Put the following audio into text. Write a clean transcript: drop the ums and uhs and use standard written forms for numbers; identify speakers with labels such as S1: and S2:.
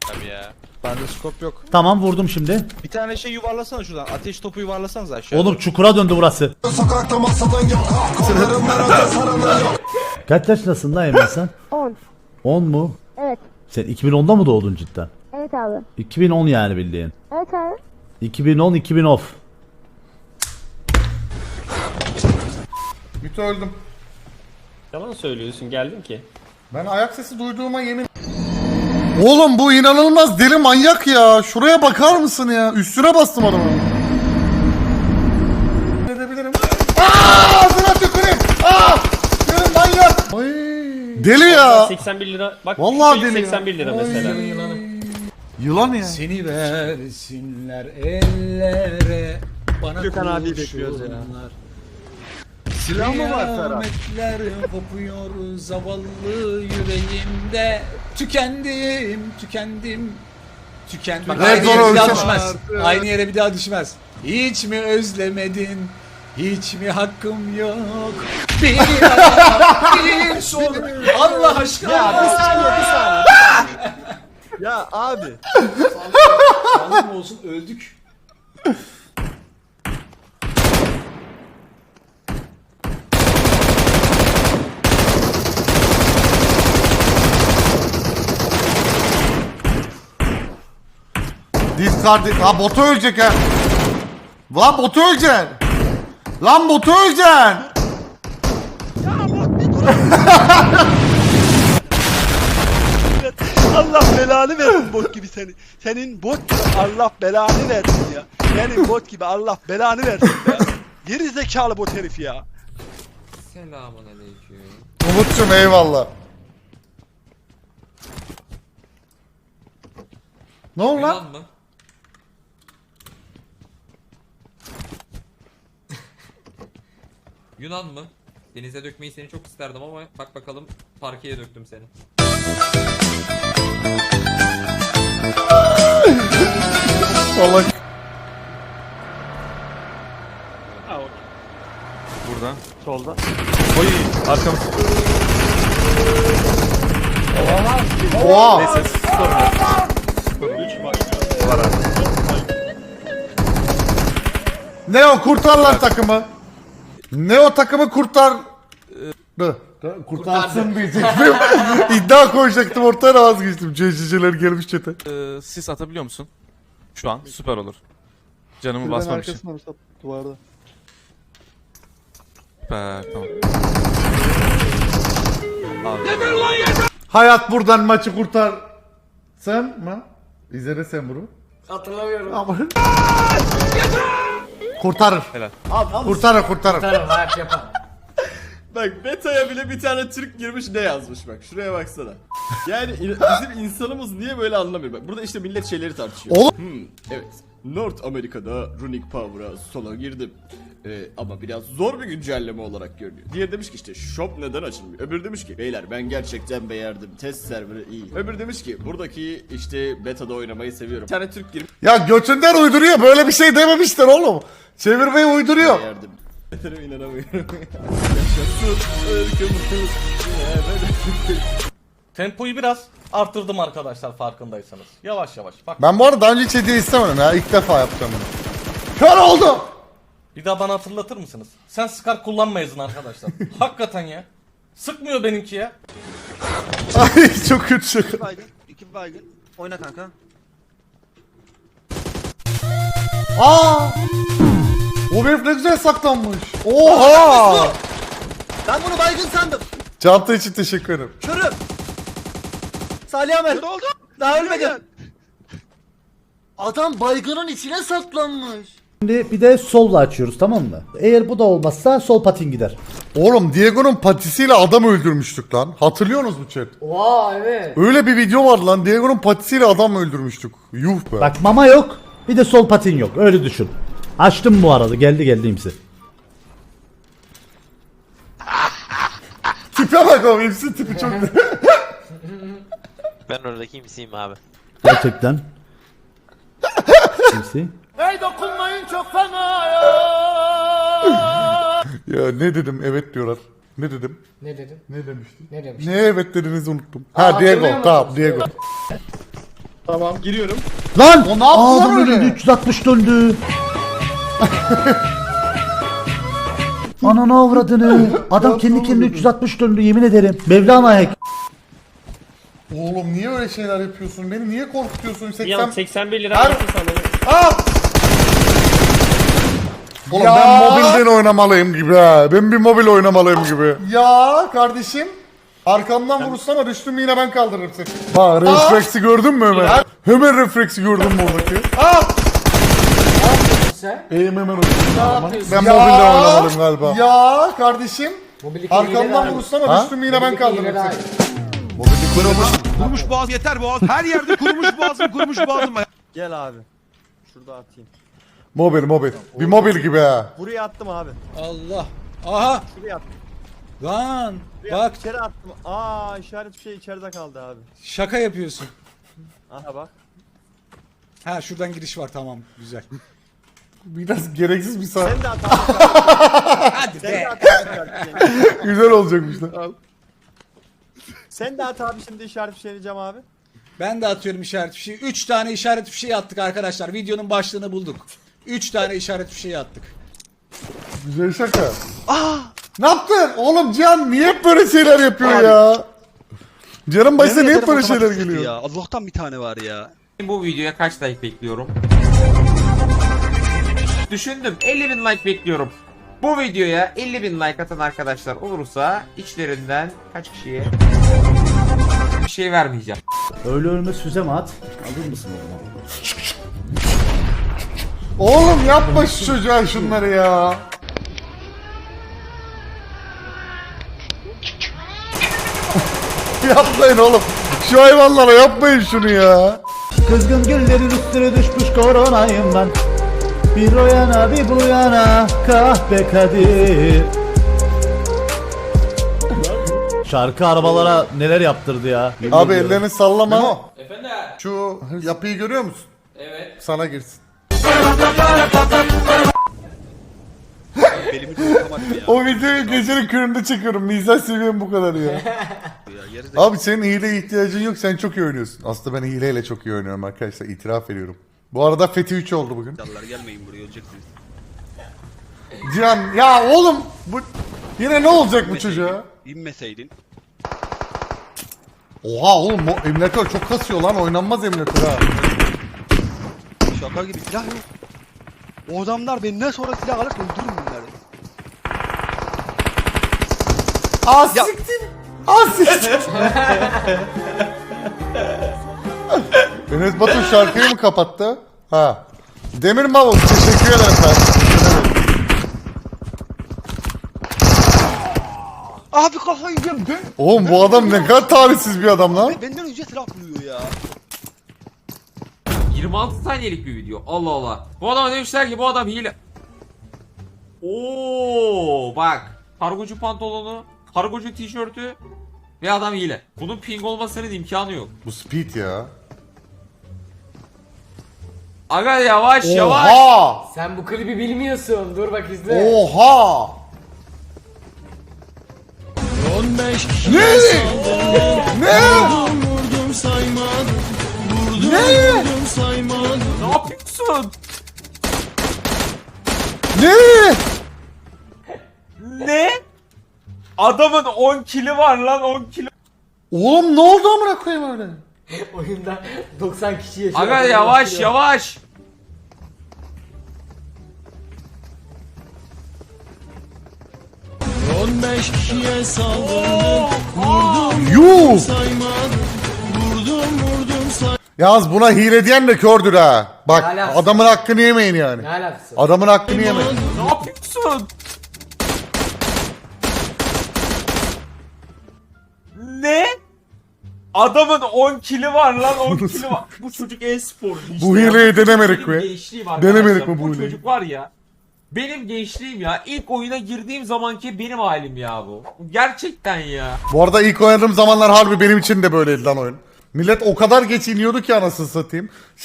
S1: Tabii ya.
S2: Bende scope yok.
S3: Tamam vurdum şimdi.
S2: Bir tane şey yuvarlasana şuradan. Ateş topu yuvarlasanız aşağı.
S3: Oğlum çukura döndü burası.
S4: Sokakta masadan yok. Kollarım nerede sarılı yok.
S3: Kaç yaşındasın lan Emre sen?
S5: 10.
S3: 10 mu?
S5: Evet.
S3: Sen 2010'da mı doğdun cidden?
S5: Evet abi.
S3: 2010 yani bildiğin.
S5: Evet abi.
S3: 2010 off.
S6: Mütü öldüm.
S7: Yalan söylüyorsun, geldim ki.
S6: Ben ayak sesi duyduğuma yemin... Oğlum bu inanılmaz deli manyak ya. Şuraya bakar mısın ya? Üstüne bastım adamı. Edebilirim. Aaa! Ağzına tüküreyim! Aaa! Senin manyak! Ay. Deli ya!
S7: 81 lira. Bak
S6: Vallahi
S7: şu
S6: deli ya.
S7: 81 lira mesela.
S6: Yılan ya.
S8: Seni versinler ellere, bana
S2: Gökhan abi bekliyoruz ya.
S8: kurşunlar.
S2: Silah mı var Ferhat?
S8: Kıyametler kopuyor zavallı yüreğimde. Tükendim. Bak,
S6: Red
S8: aynı
S6: Zone
S8: yere bir daha
S6: ölçem.
S8: düşmez. Aynı yere bir daha düşmez. Hiç mi özlemedin? Hiç mi hakkım yok? Bir ara, bir sor. Allah aşkına.
S2: Ya bir saniye. Ya abi.
S8: Sağlık olsun, öldük.
S6: Discard... Ha botu ölecek ha. Lan botu öleceksin. Lan botu öleceksin.
S2: Allah belanı versin bot gibi seni. Senin bot gibi Allah belanı versin ya. Senin bot gibi Allah belanı versin ya. Geri zekalı bot herif ya.
S1: Selamünaleyküm.
S6: Umut'cum eyvallah. Ne oldu lan?
S1: Mı? Yunan mı? Denize dökmeyi seni çok isterdim ama bak bakalım parkeye döktüm seni.
S6: Salak.
S2: Buradan. Solda.
S6: Oy arkamız. Oha.
S2: Neyse sorun yok. Var abi.
S6: Neo kurtar lan takımı. Neo takımı kurtar. Kurtarsın diyecektim. İddia koyacaktım ortaya da vazgeçtim. CC'ler gelmiş çete.
S2: Sis atabiliyor musun? Şu an süper olur. Canımı basmam için.
S6: Duvarda.
S2: Süper tamam.
S6: Hayat buradan maçı kurtar. Sen mi? İzle sen bunu. Hatırlamıyorum. Ama... Kurtarır.
S2: Helal.
S6: Kurtarır.
S9: Bak beta'ya bile bir tane Türk girmiş ne yazmış bak şuraya baksana. Yani bizim insanımız niye böyle anlamıyor bak burada işte millet şeyleri tartışıyor.
S6: Oğlum.
S9: Evet North Amerika'da Runic Power'a sola girdim. Ama biraz zor bir güncelleme olarak görünüyor. Diğer demiş ki işte shop neden açılmıyor? Öbür demiş ki beyler ben gerçekten beğendim test serverı iyi. Öbür demiş ki buradaki işte beta'da oynamayı seviyorum. Bir tane Türk girmiş
S6: Ya götünden uyduruyor. Böyle bir şey dememişler oğlum. Çevirmeyi uyduruyor.
S9: beğendim. Beterime inanamıyorum. Yaşasın ırkımız.
S10: Tempoyu biraz arttırdım arkadaşlar farkındaysanız. Yavaş yavaş. Bak
S6: Ben bu arada daha önce hiç hediye istemedim ya. İlk defa yapacağım bunu. Kör oldu.
S10: bir daha bana hatırlatır mısınız? Sen Scar kullanmayızın arkadaşlar. Hakikaten ya. Sıkmıyor benimki ya.
S6: Ay çok kötü şaka.
S2: İki baygın. Oyna kanka.
S6: Aa! O herif ne güzel saklanmış. Oha!
S2: Ben bunu baygın sandım.
S6: Çanta için teşekkür ederim.
S2: Körüm. Salih Ahmet. Ne oldu? Daha ölmedin. Adam baygının içine saklanmış.
S3: Şimdi bir de solla açıyoruz, tamam mı? Eğer bu da olmazsa sol patin gider.
S6: Oğlum Diego'nun patisiyle adam öldürmüştük lan. Hatırlıyorsunuz mu chat?
S8: Oha evet.
S6: Öyle bir video var lan. Diego'nun patisiyle adam öldürmüştük. Yuh be.
S3: Bak mama yok, bir de sol patin yok. Öyle düşün. Açtım bu arada, geldi imsi.
S6: Tipe bak oğlum. Hepsi tipi çok...
S1: Ben oradaki imsiyim abi.
S3: Gerçekten. İmsi.
S6: Ya ne dedim? Evet diyorlar. Ne dedim?
S8: Ne dedim?
S6: Ne demiştim?
S8: Ne demiş?
S6: Ne evet dediğinizi unuttum. Ha Diego. Tamam Diego.
S8: Tamam giriyorum.
S3: Lan!
S6: O ne yaptı lan
S3: Adam
S6: öyle?
S3: önünde 360 döndü. Ananı avradını. Adam kendi kendine 360 döndü yemin ederim. Mevlana hack.
S6: Oğlum niye öyle şeyler yapıyorsun? Beni niye korkutuyorsun?
S7: Bir an 81 lira
S6: Her-
S7: versin sanırım.
S6: Aa! Oğlum ben mobilden oynamalıyım gibi ha. Ben bir mobil oynamalıyım gibi. Ya kardeşim. Arkamdan vurursana düştüm yine ben kaldırırım seni. Bak refleksi gördün mü hemen? Hemen refleksi gördün mü oradaki? Aa! Eğim hemen oynadım. Ben mobilden oynamalıyım galiba. Ya kardeşim. Arkamdan vurursana düştüm yine ben kaldırırım seni.
S4: Kurumuş boğaz yeter boğaz. Her yerde kurumuş boğazım.
S5: Gel abi. Şurada atayım.
S6: Mobil. Bir mobil gibi ha.
S5: Buraya attım abi.
S8: Allah. Aha.
S5: Şuraya attım.
S8: Lan.
S5: Buraya
S8: Bak
S5: içeri attım. Aa işaret bir şey içeride kaldı abi.
S8: şaka yapıyorsun.
S5: Aha bak.
S8: Ha şuradan giriş var tamam güzel.
S6: Biraz gereksiz bir saat.
S5: Sen de at abi.
S8: Hadi
S5: Sen
S8: be.
S5: de at abi.
S6: Güzel olacakmış lan.
S5: Sen de at abi şimdi işaret bir şey diyeceğim abi.
S8: Ben de atıyorum işaret fişeği. 3 tane işaret fişeği attık arkadaşlar. Videonun başlığını bulduk. 3 tane işaret fişeği attık.
S6: Güzel şaka. Ne yaptın? Oğlum Cihan niye hep böyle şeyler yapıyor ya? Cihan'ın başına niye hep böyle şeyler geliyor?
S2: Ya. Allah'tan bir tane var ya.
S1: Bu videoya kaç like bekliyorum? Düşündüm 50.000 like bekliyorum. Bu videoya 50.000 like atan arkadaşlar olursa içlerinden kaç kişiye bir şey vermeyeceğim.
S3: Öyle ölmez füze mi at? Alır mısın oğlum?
S6: Oğlum yapma şu çocuğa şunları ya. Yapmayın oğlum. Şu hayvanlara yapmayın şunu ya.
S3: Kızgın güllerin üstüne düşmüş koronayım ben. Bir o yana bir bu yana kahpe Kadir. Şarkı arabalara neler yaptırdı ya. Yemin
S6: Abi
S3: ediyorum.
S6: ellerini sallama.
S1: Efendim?
S6: Şu yapıyı görüyor musun?
S1: Evet.
S6: Sana girsin.
S2: Belimi de yıkamadım ya.
S6: O videoyu gecenin köründe çekiyorum. Mizah seviyem bu kadar ya. Abi senin hileye ihtiyacın yok. Sen çok iyi oynuyorsun. Aslında ben hileyle çok iyi oynuyorum arkadaşlar. İtiraf ediyorum. Bu arada Fethi 3 oldu bugün.
S2: Yallar gelmeyin buraya öleceksiniz.
S6: Cihan ya oğlum bu yine ne olacak bu çocuğa?
S2: İnmeseydin.
S6: Oha oğlum bu emülatör çok kasıyor lan, oynanmaz emülatör ha.
S2: Şaka gibi silah yok. O adamlar benden sonra silah alır öldürürüm bunları. Ya-
S6: Siktir. Siktir. Enes Batur şarkıyı mı kapattı? Ha. Demir Mavul teşekkür ederim ben.
S2: Abi kafayı yiyeceğim ben.
S6: Oğlum bu adam ne kadar talihsiz bir adam lan.
S2: Benden önce silah buluyor ya.
S1: 26 saniyelik bir video. Allah Allah. Bu adama demişler ki bu adam hile. Oo bak. Kargocu pantolonu, kargocu tişörtü ve adam hile. Bunun ping olmasının imkanı yok.
S6: Bu speed ya.
S1: Aga yavaş yavaş.
S6: Oha!
S5: Sen bu klibi bilmiyorsun. Dur bak izle.
S6: Oha! Ne? Ne? Ne?
S1: Ne yapıyorsun?
S6: Ne?
S1: Ne? Adamın 10 kili var lan 10 kilo.
S6: Oğlum ne oldu amına koyayım öyle?
S5: Oyunda 90 kişi yaşıyor.
S1: Aga yavaş yavaş.
S6: Yuh! Yalnız buna hile diyen de kördür ha. Bak
S5: Ne alakası?
S6: adamın hakkını yemeyin yani.
S5: Ne alakası?
S6: Adamın hakkını yemeyin.
S1: Ne yapıyorsun? Ne? Adamın 10 kili var lan 10 kili var. Bu çocuk e-sporcu işte.
S6: Bu
S1: ya.
S6: hileyi denemedik
S1: Benim
S6: mi?
S1: gençliğim arkadaşlar.
S6: Denemedik mi bu hileyi?
S1: çocuk var ya. Benim gençliğim ya. İlk oyuna girdiğim zamanki benim halim ya bu. Gerçekten ya.
S6: Bu arada ilk oynadığım zamanlar harbi benim için de böyleydi lan oyun. Millet o kadar geç iniyordu ki anasını satayım.